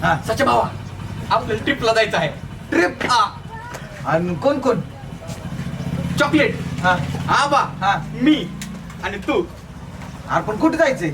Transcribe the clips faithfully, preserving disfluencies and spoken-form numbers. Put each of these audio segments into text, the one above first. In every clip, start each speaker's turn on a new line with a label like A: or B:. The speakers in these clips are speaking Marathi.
A: हा.
B: सच्या भावा आपल्याला ट्रिपला जायचं आहे.
A: ट्रिप
B: हा
A: आणि कोण कोण?
B: चॉकलेट
A: हा
B: आबा
A: हा
B: मी आणि तू.
A: अरे पण कुठे जायचंय?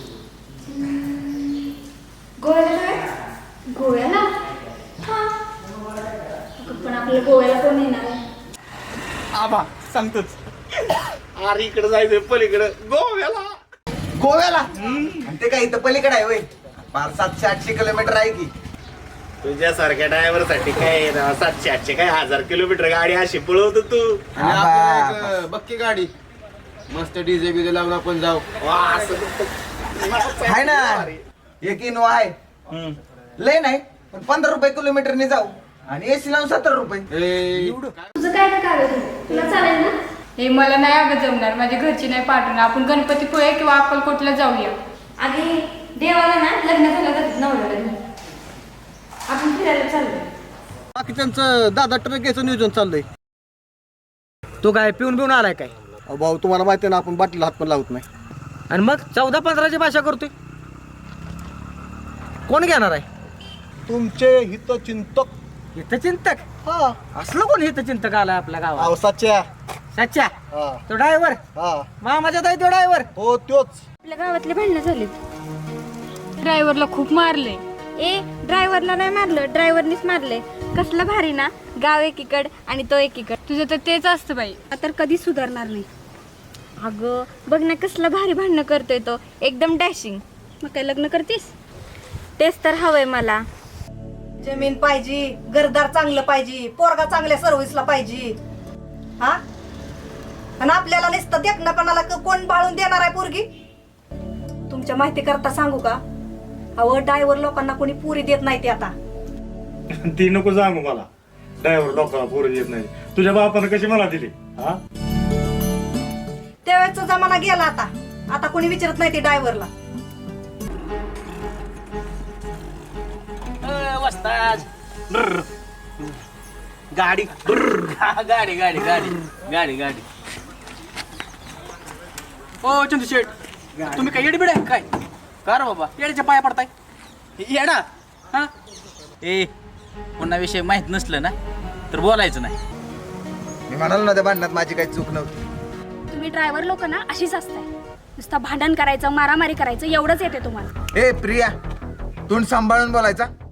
C: गोव्याला गोव्याला हा पण आपल्या गोव्याला कोण येणार आहे?
B: आबा सांगतोच. अरे इकडे जायचंय पलीकडे गोव्याला.
A: गोव्याला? आणि ते काय इथं पलीकडे आहे वय? पाच सातशे आठशे किलोमीटर आहे की.
D: तुझ्यासारख्या ड्रायव्हर साठी काय ना सातशे आठशे काय हजार किलोमीटर गाडी अशी पळवतो तू.
E: आणि आपल्याला एक बक्की गाडी मस्त डीजे बीजे लावून आपण जाऊ.
D: वा, असं नुसतं-
A: आहे ना एक इनोवा आहे.
D: हम्म.
A: लय नाही पण पंधरा रुपये किलोमीटरने जाऊ आणि एसी लावून सत्तर रुपये.
E: ए,
C: तुझं काय काय कागद आहे? तुला चालेल ना?
F: हे मला नाही अगं जमणार, माझ्या घरची नाही पाठवणार. आपण गणपतीपुळे किंवा अक्कलकोटला जाऊया.
C: आधी देवाला ना लग्न झालं तर नवऱ्याला घेऊन आपण फिरायला चाललो.
E: बाकीच्यांचं दादा ट्रक घ्यायचं नियोजन चाललंय.
G: तू काय पिऊन पिऊन आलाय काय?
E: अहो भाऊ तुम्हाला माहिती आहे ना आपण बाटलीला हात पण लावत नाही.
G: आणि मग चौदा पंधराची भाषा करतोय. कोण घेणार आहे?
E: तुमचे हितचिंतक.
G: हितचिंतक?
E: हा
G: असलं कोण हितचिंतक आलाय आपल्या गावात?
E: अहो सच्च्या.
G: सच्चा
E: हा
G: तो ड्रायव्हर
E: हा
G: मामाच्या ताई तो ड्रायव्हर.
E: हो त्योच.
C: आपल्या गावातले भांडणं झालीत.
F: ड्रायव्हरला खूप मारले.
C: ए ड्रायव्हरला नाही मारलं, ड्रायव्हरनीच मारले. कसलं भारी ना, गाव एकीकड आणि तो एकीकड.
F: तुझं तर तेच असतं बाई.
C: तर कधी सुधारणार नाही. अगं बघ ना कसलं भारी भांडणं करतोय तो, एकदम डॅशिंग. मग काय लग्न करतीस? तेच तर हवंय मला.
H: जमीन पाहिजे, घरदार चांगलं पाहिजे, पोरगा चांगल्या सर्व्हिसला पाहिजे. हा आणि आपल्याला नुसतं देखणापणाला क- कोण बाळून देणार आहे पोरगी? तुमच्या माहिती करता सांगू का, अहो ड्रायव्हर लोकांना कोणी पुरी देत नाही ते आता.
D: ती नको सांगू मला. ड्रायव्हर लोकांना पोरं येत नाही. तुझ्या बापानं कशी मला दिली? हा
H: त्यावेळेचा जमाना गेला आता. आता कोणी विचारत नाही ते ड्रायव्हरला.
B: गाडी गाडी गाडी गाडी गाडी गाडी. ओ चंदू शेठ, तुम्ही काय येडबिड आहे काय? का रे बाबा येड्याच्या पाया पडताय? येडा हा? ए पुन्हा विषय माहित नसलं ना तर बोलायचं नाही.
A: मी म्हणालो ना त्या भांडणात माझी काही चूक नव्हती.
C: तुम्ही ड्रायव्हर लोक ना अशीच असताय. नुसतं भांडण करायचं, मारामारी करायचं एवढंच येते तुम्हाला.
A: ए प्रिया तोंड सांभाळून बोलायचा.